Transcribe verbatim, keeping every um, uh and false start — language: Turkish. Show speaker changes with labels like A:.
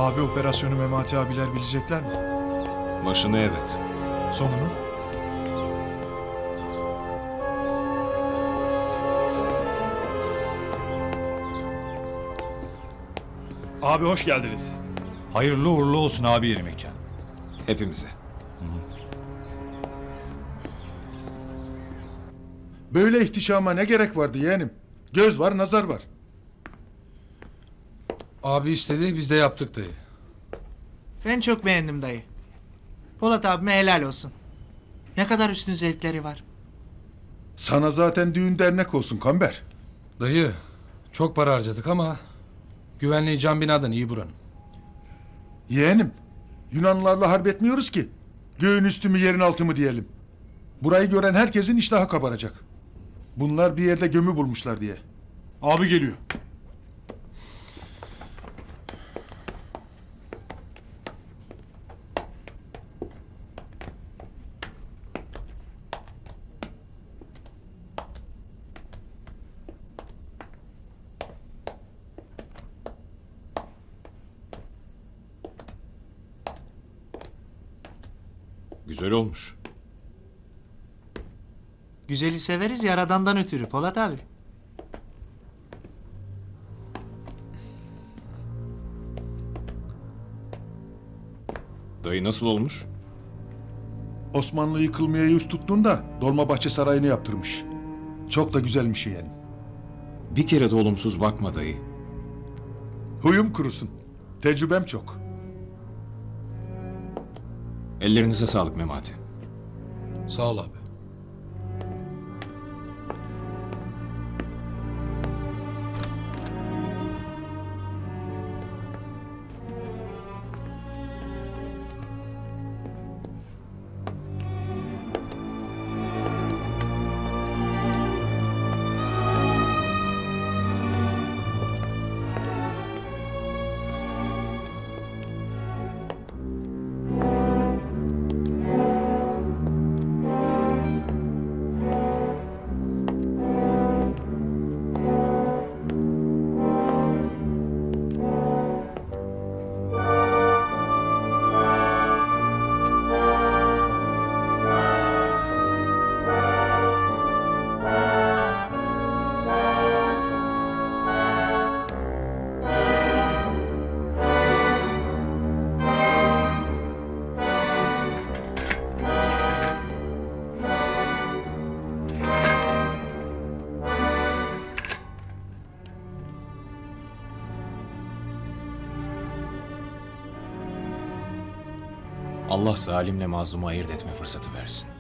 A: Abi operasyonu Memati abiler bilecekler mi?
B: Başını evet.
A: Sonunu?
C: Abi hoş geldiniz.
D: Hayırlı uğurlu olsun abi yeni mekan.
B: Hepimize.
E: Böyle ihtişama ne gerek vardı yeğenim? Göz var, nazar var.
F: Abi istedi, biz de yaptık dayı.
G: Ben çok beğendim dayı. Polat abime helal olsun. Ne kadar üstün zevkleri var.
E: Sana zaten düğün dernek olsun Kamber.
F: Dayı, çok para harcadık ama güvenliği cam binadan iyi buranın.
E: Yeğenim, Yunanlılarla harp etmiyoruz ki. Göğün üstü mü yerin altı mı diyelim. Burayı gören herkesin iştahı kabaracak. Bunlar bir yerde gömü bulmuşlar diye.
C: Abi geliyor.
B: Güzel olmuş.
G: Güzeli severiz yaradandan ötürü Polat abi.
B: Dayı nasıl olmuş?
E: Osmanlı yıkılmaya yüz tuttuğunda Dolmabahçe Sarayı'nı yaptırmış. Çok da güzelmiş yeğenim.
B: Bir kere de olumsuz bakma dayı.
E: Huyum kurusun. Tecrübem çok.
B: Ellerinize sağlık Memati.
F: Sağ ol abi.
B: Allah zalimle mazlumu ayırt etme fırsatı versin.